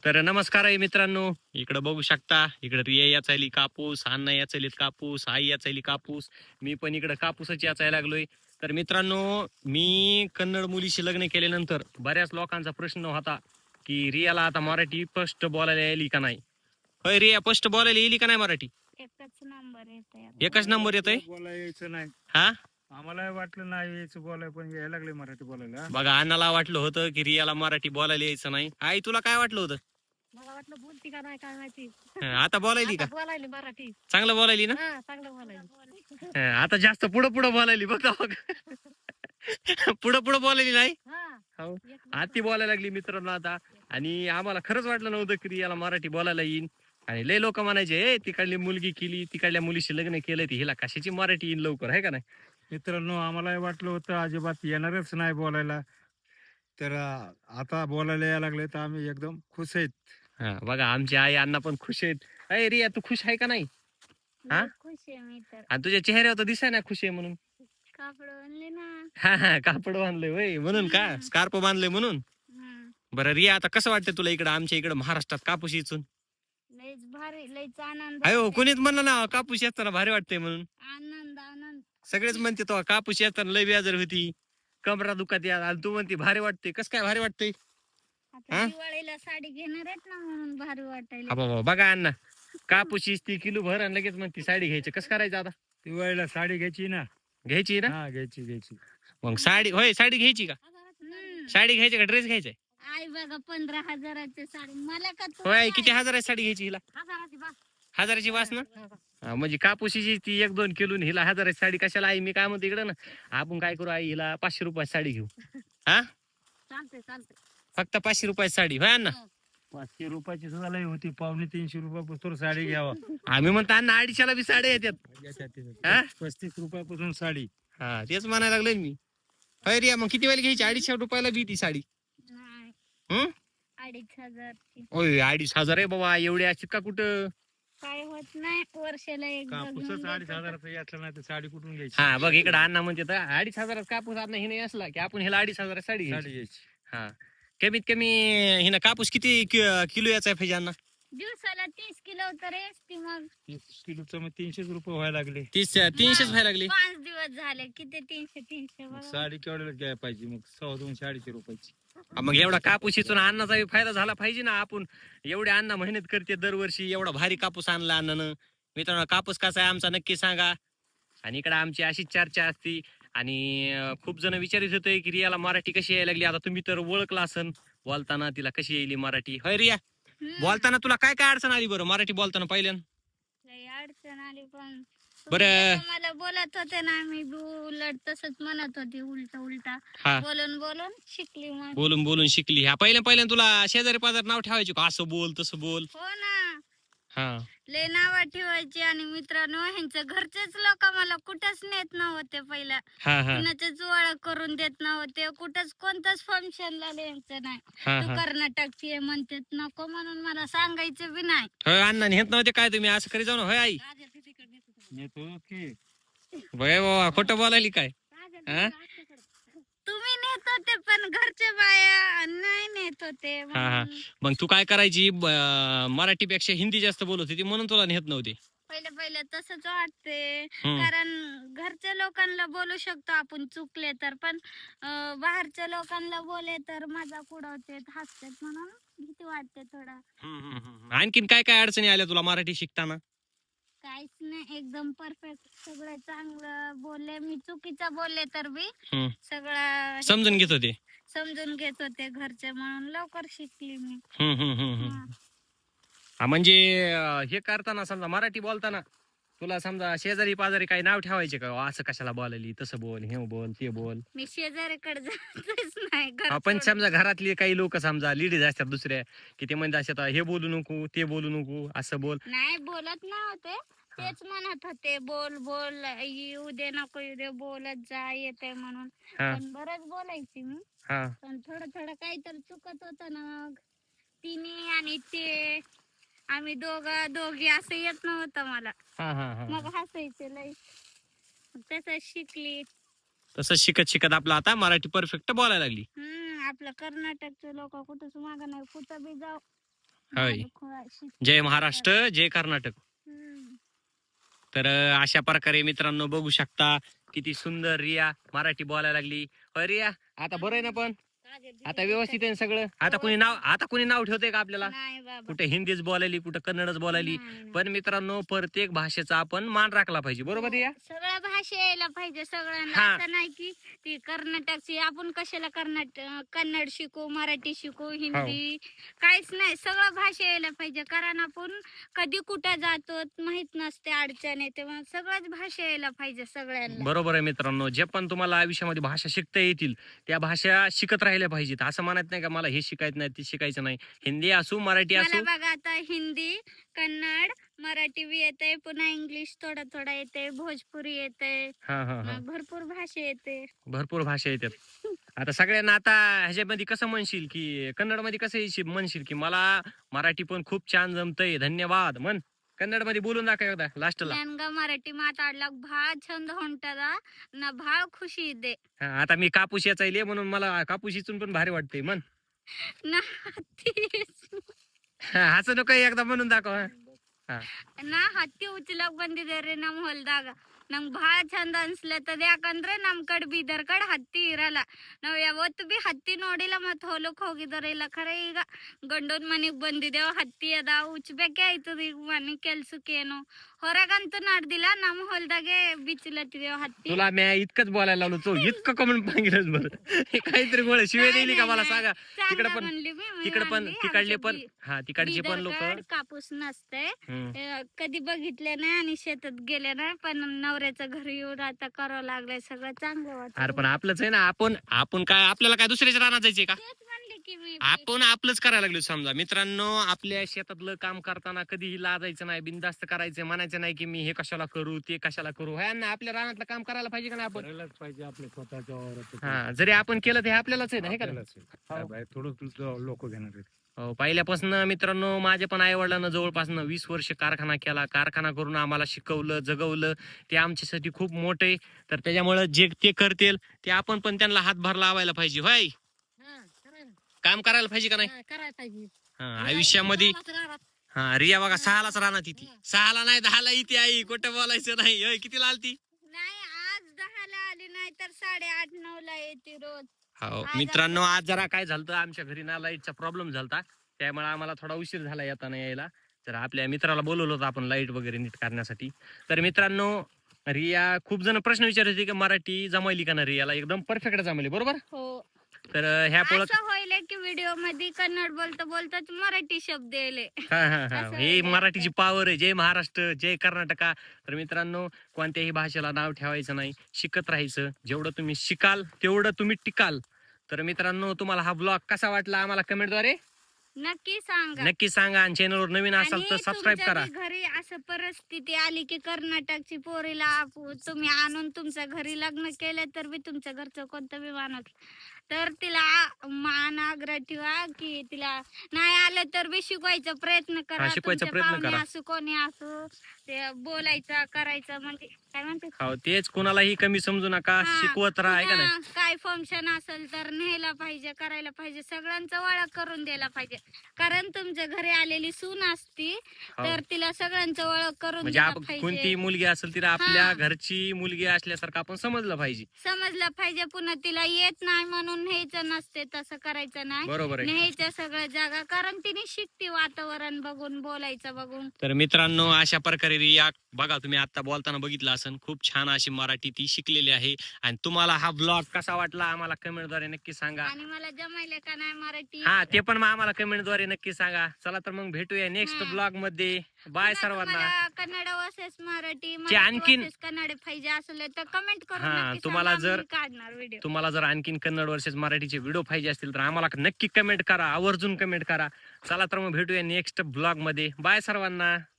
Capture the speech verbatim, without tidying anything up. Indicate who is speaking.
Speaker 1: तर नमस्कार आहे मित्रांनो. इकडे बघू शकता, इकडे रिया याचायली कापूस, अण्णा याचायलीत कापूस, आई याचायली कापूस, मी पण इकडे कापूसच याचायला लागलोय. तर मित्रांनो, मी कन्नड मुलीशी लग्न केल्यानंतर बऱ्याच लोकांचा प्रश्न होता की रियाला आता मराठी स्पष्ट बोलायला यायली का नाही. होय रिया, स्पष्ट बोलायला येईल का नाही मराठी?
Speaker 2: एकच नंबर येतोय.
Speaker 1: एकच नंबर येतोय.
Speaker 3: बोलायला यायचं नाही,
Speaker 1: हा
Speaker 3: आम्हाला वाटलं नाही यायचं बोलाय, पण यायला लागले मराठी बोलायला.
Speaker 1: बघा, अण्णाला वाटलं होतं की रियाला मराठी बोलायला यायचं नाही. आई, तुला काय वाटलं होतं?
Speaker 2: मला वाटलं बोलती का नाही काय माहिती.
Speaker 1: हं, आता बोलायली का?
Speaker 2: आता बोलायली मराठी.
Speaker 1: चांगलं बोलायली ना?
Speaker 2: हा, चांगलं बोलायली.
Speaker 1: हं, आता जास्त पुढं पुढं बोलायली बघा बघा. पुढं पुढं बोलायली नाही.
Speaker 2: हा,
Speaker 1: हो,
Speaker 2: एक
Speaker 1: आती बोलायला लागली मित्रांनो आता. आणि आम्हाला खरंच वाटलं नव्हतं की याला मराठी बोलायला येईन. आणि लय लोक म्हणायचे, ए तिकडली मुलगी केली, तिकडल्या मुलीशी लग्न केलं, ती हिला कशाची मराठी येईन लवकर, आहे का नाही?
Speaker 3: मित्रांनो, आम्हाला वाटलं होतं अजिबात येणारच नाही बोलायला, तर अं, आता बोलायला यायला लागले, तर आम्ही एकदम खुश आहेत.
Speaker 1: हा बघा, आमची आई अण्णा पण खुश आहेत. अरे रिया, तू खुश आहे का नाही? हा?
Speaker 2: लय खुश आहे मी तर.
Speaker 1: आणि तुझ्या चेहऱ्यावर तर दिसाय ना खुश आहे म्हणून.
Speaker 2: कापड आणले ना.
Speaker 1: हा हा, कापड बांधलंय वय म्हणून का? स्कार्प बांधलंय म्हणून.
Speaker 2: हम्म.
Speaker 1: बरं रिया, आता कसं वाटतं तुला इकडं आमच्या इकडं महाराष्ट्रात कापूस इचून?
Speaker 2: लयच भारी, लयच आनंद
Speaker 1: अयो,
Speaker 2: वाटतंय.
Speaker 1: कोणीच म्हणलं ना कापूस येताना भारी वाटतंय म्हणून.
Speaker 2: आनंद आनंद.
Speaker 1: सगळेच म्हणते तो कापूस येताना लय बेजार होती, कमरा दुखात या, आणि तू म्हणते भारी वाटते. कसं काय भारी वाटतंय?
Speaker 2: आता
Speaker 1: हा?
Speaker 2: दिवाळीला साडी घेणार आहेत ना, म्हणून भारी वाटायला.
Speaker 1: हा बाबा, बघा अण्णा, कापूस ती किलो भर आणि लगेच म्हणते साडी घ्यायची. कसं करायचं आता?
Speaker 3: दिवाळीला साडी घ्यायची ना.
Speaker 1: घ्यायची ना?
Speaker 3: हा, घ्यायची घ्यायची.
Speaker 1: मग साडी, होय साडी घ्यायची का?
Speaker 2: हम्म.
Speaker 1: साडी घ्यायची का ड्रेस घ्यायचाय?
Speaker 2: आई बघा, पंधरा हजाराची साडी मला का तू?
Speaker 1: होय, किती हजाराची साडी घ्यायची हिला?
Speaker 2: हजाराची बा.
Speaker 1: हजाराची वास ना? हा, म्हणजे कापूसीची ती एक दोन किलो आणि हिला हजाराची साडी कशाला? आई, मी काय म्हणतो इकडं ना, आपण काय करू आई, हिला पाचशे रुपयाची साडी घेऊ. हा,
Speaker 2: चालते चालते.
Speaker 1: फक्त पाचशे रुपयाची साडी, होय अण्णा?
Speaker 3: पाचशे रुपयाची सुद्धा लई होती, पावणे तीनशे रुपयापासून साडी घ्यावा.
Speaker 1: आम्ही म्हणतो अण्णा, अडीचशेला बी साड्या येतात. हा?
Speaker 3: पस्तीस रुपयापासून साडी.
Speaker 1: हा, तेच म्हणायला लागलोय मी. होय रिया, मग किती वेळेला घ्यायची? अडीचशे रुपयाला बी ती साडी.
Speaker 2: नाही,
Speaker 1: हम्म
Speaker 2: अडीच हजारची.
Speaker 1: होय, अडीच हजार आहे बाबा, एवढे असतात का कुठं?
Speaker 2: काय होत नाही, वर्षाला एकदा घेऊन
Speaker 3: कापूसच अडीच
Speaker 2: देतो.
Speaker 3: हजाराचं यातलं नाही तर साडी कुठून घ्यायची?
Speaker 1: हा बघ, इकडे अण्णा म्हणते तर अडीच हजारात कापूस आणला हिने असला की आपण ह्याला अडीच हजारात साडी
Speaker 3: साडी
Speaker 1: घ्यायची.
Speaker 3: घ्यायची.
Speaker 1: हा, कमीत कमी हिनं कापूस किती कि- किलो याचा आहे पाहिजे अण्णा?
Speaker 2: दिवसाला तीस किलो तर असते. मग
Speaker 3: तीस किलोचं मग तीनशेच रुपये व्हायला लागले.
Speaker 1: तीस तीनशेच व्हायला लागली.
Speaker 2: पाच दिवस झाले, किती तीनशे तीनशे बघा.
Speaker 3: साडी केवढ्याला घ्यायला पाहिजे? मग सव्वा दोनशे अडीचशे रुपयाची.
Speaker 1: हा, मग एवढा कापूस इचून अन्नाचा बी फायदा झाला पाहिजे ना. आपण एवढे अण्णा मेहनत करते दरवर्षी, एवढा भारी कापूस आणला अण्णानं. मित्रांनो, कापूस कसा आहे आमचा नक्की सांगा. आणि इकडे आमची अशीच चर्चा असती. आणि अं, खूप जण विचारित होते की रियाला मराठी कशी यायला लागली. आता तुम्ही तर ओळखला असन बोलताना तिला कशी यायली मराठी. होय रिया,
Speaker 2: हम्म.
Speaker 1: बोलताना तुला काय काय अडचण आली बरं मराठी बोलताना पहिल्यान?
Speaker 2: लई अडचण आली, पण
Speaker 1: बरं.
Speaker 2: तुम्ही मला बोलत होते ना, मी बी उलट तसंच म्हणत होती, उलट उलटा
Speaker 1: हा,
Speaker 2: बोलून बोलून शिकली मग.
Speaker 1: बोलून बोलून शिकली. हा, पहिल्या पहिल्या तुला शेजारी पाजार नाव ठेवायचे का, असं बोल तसं बोल?
Speaker 2: हो ना,
Speaker 1: हा
Speaker 2: लय नाव ठेवायची. आणि मित्रांनो, ह्यांच्या घरचेच लोक मला कुठंच नेत नव्हते पहिला.
Speaker 1: हा हा
Speaker 2: कुणाचेच ओळख करून देत नव्हते, कुठंच कोणत्याच फंक्शनला न्यायचं नाही.
Speaker 1: हा
Speaker 2: तू
Speaker 1: हा
Speaker 2: कर्नाटकची आहे म्हणतात, नको म्हणून मला सांगायचं बी नाही.
Speaker 1: होय अण्णा नेत नव्हते काय तुम्ही? असं करी जाऊ ना. होय आई,
Speaker 3: नेतो की
Speaker 1: बघा बाबा, खोटं बोलायली काय? हा?
Speaker 2: तुम्ही नेत होते, पण घरचे बाया नाही नेत होते.
Speaker 1: हा हा
Speaker 2: म्हणून
Speaker 1: मग तू काय करायची? ब- मराठीपेक्षा हिंदी जास्त बोलत होती म्हणून तुला नेत नव्हते.
Speaker 2: पहिले पहिले तसंच वाटते,
Speaker 1: हम्म.
Speaker 2: कारण घरच्या लोकांना बोलू शकतो आपण चुकले तर, पण अं, बाहेरच्या लोकांना बोले तर मजाक उडवते, हसतात, म्हणून भीती वाटते थोडा.
Speaker 1: हम्म, हम्म, हम्म. आणखीन काय काय अडचणी आल्या तुला मराठी शिकताना?
Speaker 2: काहीच नाही, एकदम परफेक्ट, सगळं चांगलं बोलले. मी चुकीचं बोलले तर बी
Speaker 1: हम्म.
Speaker 2: सगळं
Speaker 1: समजून घेत होते.
Speaker 2: समजून घेत होते घरचे, म्हणून लवकर शिकली मी.
Speaker 1: हम्म, हम्म, हम्म, हम्म.
Speaker 2: हा.
Speaker 1: हा, म्हणजे अं, हे करताना समजा मराठी बोलताना तुला समजा शेजारी पाजारी काही नाव ठेवायचे का? असं कशाला बोलायली, तसं बोल, हे बोल, ते बोल.
Speaker 2: मी शेजारीकडे जातच नाही, घर
Speaker 1: आपण
Speaker 2: सोडून.
Speaker 1: समजा घरातली काही लोक समजा लेडीज असतात दुसऱ्या, की ते म्हणजे असतात हे बोलू नको, ते बोलू नको, असं बोल.
Speaker 2: नाही बोलत नव्हते, तेच म्हणत होते बोल बोल, येऊ दे नको येऊ दे, बोलत जा, येते म्हणून.
Speaker 1: हा
Speaker 2: पण बरंच बोलायची मी,
Speaker 1: हा
Speaker 2: पण थोडं थोडं काहीतरी चुकत होतं ना. मग तिने आणि ते, आम्ही दोघं दोघी असं येत नव्हतं मला.
Speaker 1: हा हा हा
Speaker 2: मग हसायचे लई, तसं शिकली.
Speaker 1: तसं शिकत शिकत आपलं आता मराठी परफेक्ट बोलायला लागली.
Speaker 2: हम्म आपलं कर्नाटकचे लोक कुठंच मागं नाही, कुठं बी जाऊ
Speaker 1: होय.
Speaker 2: माझं खुळा- शिकते.
Speaker 1: जय महाराष्ट्र जय कर्नाटक.
Speaker 2: हम्म.
Speaker 1: तर अं, अशा प्रकारे मित्रांनो बघू शकता किती सुंदर रिया मराठी बोलायला लागली. अ, रिया आता बरं आहे ना, पण आता व्यवस्थित आहे ना सगळं. आता कुणी नाव आता कुणी नाव ठेवतंय का आपल्याला?
Speaker 2: नाही बाबा,
Speaker 1: कुठे हिंदीच बोलायली, कुठे कन्नडच बोलायली.
Speaker 2: नाही, नाही.
Speaker 1: पण मित्रांनो प्रत्येक भाषेचा आपण मान राखला पाहिजे, बरोबर आहे या?
Speaker 2: सगळ्या भाषा यायला पाहिजे सगळ्यांना.
Speaker 1: हा.
Speaker 2: असं नाही की ती कर्नाटकची आपण कशाला कर्नाटक कन्नड शिकू, मराठी शिकू, हिंदी काहीच नाही. सगळं भाषा यायला पाहिजे, कारण आपण कधी कुठं जातो माहित नसते, अडचण येते. मग सगळ्याच भाषा यायला पाहिजे सगळ्यांना.
Speaker 1: बरोबर आहे मित्रांनो, जे पण तुम्हाला आयुष्यामध्ये भाषा शिकता येतील त्या भाषा शिकत राहिल्या पाहिजेत. असं म्हणत नाही का मला हे शिकायचं नाही ते शिकायचं नाही. हिंदी असू मराठी
Speaker 2: मला
Speaker 1: असू.
Speaker 2: बघा आता हिंदी, कन्नड, मराठी बी येते, पुन्हा इंग्लिश थोडा थोडा येते, भोजपुरी येते,
Speaker 1: हा हा हा
Speaker 2: भरपूर भाषा येते.
Speaker 1: भरपूर भाषा येतात. आता सगळ्यांना आता ह्याच्यामध्ये कसं म्हणशील की कन्नड मध्ये कसं येशील म्हणशील की मला मराठी पण खूप छान जमतंय धन्यवाद म्हण. कन्नड मध्ये बोलून दाखव एकदा लास्टला.
Speaker 2: ನನ್ಗ ಮರಾಠಿ ಮಾತಾಡ್ಲಕ್ ಭಾಳ ಚಂದ ಹೊಂಟದ, ನಾ ಭಾಳ ಖುಷಿ ಇದ್ದೆ.
Speaker 1: हा, आता मी कापूस याचायले म्हणून मला कापूस इचून पण भारी वाटते म्हण.
Speaker 2: ನಾ ಹತ್ತಿ
Speaker 1: हा, असं नको एकदा म्हणून दाखव. हा.
Speaker 2: ನಾ ಹತ್ತಿ ಉಚ್ಚಲಕ್ ಬಂದಿದ್ದೆ ರೀ ನಮ್ ಹೊಲ್ದಾಗ. ನಂಗ್ ಭಾಳ ಚಂದ ಅನ್ಸ್ಲತ್ತದ, ಯಾಕಂದ್ರೆ ನಮ್ ಕಡೆ ಬೀದರ್ ಕಡೆ ಹತ್ತಿ ಇರಲ್ಲ. ನಾವ್ ಯಾವತ್ತು ಬಿ ಹತ್ತಿ ನೋಡಿಲ್ಲ, ಮತ್ ಹೊಲಕ್ ಹೋಗಿದಾರ ಇಲ್ಲ. ಖರೆ ಈಗ ಗಂಡನ್ ಮನಿಗ್ ಬಂದಿದ್ದೇವ್, ಹತ್ತಿ ಅದ ಉಚ್ಬೇಕೆ ಆಯ್ತದ. ಈಗ ಮನಿ ಕೆಲ್ಸಕ್ಕೇನು ಹೊರಗಂತೂ ನಡ್ದಿಲ್ಲ, ನಮ್ ಹೊಲ್ದಾಗೆ ಬಿಚ್ಚಲತ್ತಿದೇವ್ ಹತ್ತಿ.
Speaker 1: तुला मी इतकंच बोलायला लावलो तो इतकं कमून सांगितलं बरं. हे काहीतरी गोळ शिवे दिली का मला सांगा. तिकडे पण
Speaker 2: म्हणली मी, मी
Speaker 1: तिकडे पण
Speaker 2: म्हणली,
Speaker 1: तिकडले
Speaker 2: आमच्या
Speaker 1: पण
Speaker 2: बी-
Speaker 1: हा तिकडचे पण लोक
Speaker 2: बिदरकड कापूस नसते, अ, कधी बघितले नाही आणि शेतात गेले नाही. पण नवऱ्याच्या घरी येऊन आता करावं लागलंय, सगळं चांगलं
Speaker 1: अरे
Speaker 2: वाटत.
Speaker 1: पण आपलंच आहे ना. आपण आपण काय आपल्याला काय दुसऱ्याच्या रानात जायचे का?
Speaker 2: तेच म्हणले की मी
Speaker 1: आपण आपलंच करायला लागलो. समजा मित्रांनो, आपल्या शेतातलं काम करताना कधीही लाजायचं नाही, बिनधास्त करायचं, म्हणायचं नाही की मी हे कशाला करू ते कशाला करू. ह्या ना आपल्या रानातलं काम करायला पाहिजे का नाही आपण?
Speaker 3: करायलाच पाहिजे आपल्या स्वतःच्या वावरात.
Speaker 1: हा, जरी आपण केलं ते आपल्यालाच आहे ना, हे का नाही?
Speaker 3: आपल्यालाच आहे. काय बाई, थोडं तुझं लोक घेणार आहेत.
Speaker 1: हो, पहिल्यापासून मित्रांनो माझ्या पण आई वडिलांना जवळपास वीस वर्ष कारखाना केला. कारखाना करून आम्हाला शिकवलं, जगवलं. ते आमच्यासाठी खूप मोठे. तर त्याच्यामुळे जे ते करतील ते आपण पण त्यांना हातभार लावायला पाहिजे. होय, काम करायला पाहिजे का नाही?
Speaker 2: करायला पाहिजे.
Speaker 1: हा, आयुष्यामध्ये हा, रिया बघा सहालाच राहणार ती. सहाला नाही दहाला इथे आई, कुठं बोलायचं नाही. होय, कितीला आलती?
Speaker 2: नाही, आज दहाला आली नाही तर साडेआठ नऊ ला येते रोज.
Speaker 1: हो
Speaker 2: आज
Speaker 1: मित्रांनो, आज जरा काय झालं आमच्या घरी ना लाईटचा प्रॉब्लेम झालता, त्यामुळे आम्हाला थोडा उशीर झाला येताना यायला. तर आपल्या मित्राला बोलवलं होतं आपण लाईट वगैरे नीट करण्यासाठी. तर मित्रांनो, रिया खूप जण प्रश्न विचारत होते की मराठी जमायली का ना रियाला? एकदम परफेक्ट जमायली, बरोबर.
Speaker 2: हो,
Speaker 1: तर ह्या पोळत
Speaker 2: असं होईल की व्हिडिओ मध्ये कन्नड बोलता बोलता मराठी शब्द येले.
Speaker 1: हा हा हा
Speaker 2: असं
Speaker 1: हे
Speaker 2: व्हायला
Speaker 1: मराठीची पावर आहे. जय महाराष्ट्र जय कर्नाटका. तर मित्रांनो, कोणत्याही भाषेला नाव ठेवायचं नाही, शिकत राहायचं. जेवढं तुम्ही शिकाल तेवढं तुम्ही टिकाल. तर मित्रांनो, तुम्हाला हा ब्लॉग कसा वाटला आम्हाला कमेंटद्वारे
Speaker 2: नक्की सांगा.
Speaker 1: नक्की सांगा. आणि चॅनलवर नवीन असाल तर
Speaker 2: आणि
Speaker 1: सबस्क्राईब
Speaker 2: तुमच्या
Speaker 1: करा.
Speaker 2: बी घरी असं परिस्थिती आली की कर्नाटकची पोरीला आपू- तुम्ही आणून तुमच्या घरी लग्न केलं, तर बी तुमच्या घरचं कोणतं बी माणूस तर तिला मान आग्रह ठेवा की तिला नाही आलं तर बी शिकवायचा प्रयत्न करा.
Speaker 1: हा, शिकवायचा
Speaker 2: तुमचे
Speaker 1: प्रयत्न
Speaker 2: पाहुणे
Speaker 1: करा.
Speaker 2: असो कोणी असो, ते बोलायचं करायचं, म्हणजे काय म्हणते,
Speaker 1: हो, तेच कोणालाही कमी समजू नका,
Speaker 2: हा,
Speaker 1: शिकवत राहा, आहे का नाही?
Speaker 2: पुन्हा काय फंक्शन असेल तर न्यायला पाहिजे, करायला पाहिजे, सगळ्यांचा ओळख करून द्यायला पाहिजे. कारण तुमच्या घरी आलेली सून असती तर तिला सगळ्यांचं ओळख करून
Speaker 1: म्हणजे
Speaker 2: द्यायला
Speaker 1: आपण कोणती
Speaker 2: पाहिजे,
Speaker 1: मुलगी असेल तिला आपल्या
Speaker 2: हा.
Speaker 1: घरची मुलगी असल्यासारखं आपण समजलं पाहिजे.
Speaker 2: समजलं पाहिजे. पुन्हा तिला येत नाही म्हणून न्यायचं नसते, तसं करायचं नाही.
Speaker 1: बरोबर आहे.
Speaker 2: न्यायच्या सगळ्या जागा, कारण तिने शिकते वातावरण बघून, बोलायचं बघून.
Speaker 1: तर मित्रांनो, अशा प्रकारे रिया बघा, तुम्ही आता बोलताना बघितलं असेल, खूप छान अशी मराठी ती शिकलेली आहे. आणि तुम्हाला हा ब्लॉग कसा वाटला आम्हाला कमेंटद्वारे नक्की सांगा.
Speaker 2: आणि मला जमायले का नाही मराठी,
Speaker 1: हा, ते पण मग आम्हाला कमेंटद्वारे नक्की सांगा. चला तर मग भेटूया नेक्स्ट
Speaker 2: हा.
Speaker 1: ब्लॉग मध्ये. बाय
Speaker 2: पुन्हा
Speaker 1: सर्वांना.
Speaker 2: तुम्हाला कन्नड वर्सेस मराठी,
Speaker 1: चे आणखीन-
Speaker 2: वर्सेस कन्नड पाहिजे असले तर कमेंट करून
Speaker 1: हा,
Speaker 2: नक्की
Speaker 1: तुम्हाला
Speaker 2: सांगा,
Speaker 1: जर-
Speaker 2: मी काढणार व्हिडिओ.
Speaker 1: तुम्हाला जर आणखीन कन्नड वर्सेस मराठीचे व्हिडिओ पाहिजे असतील तर आम्हाला नक्की कमेंट करा, आवर्जून कमेंट करा. चला तर मग भेटूया नेक्स्ट ब्लॉग मध्ये. बाय सर्वांना.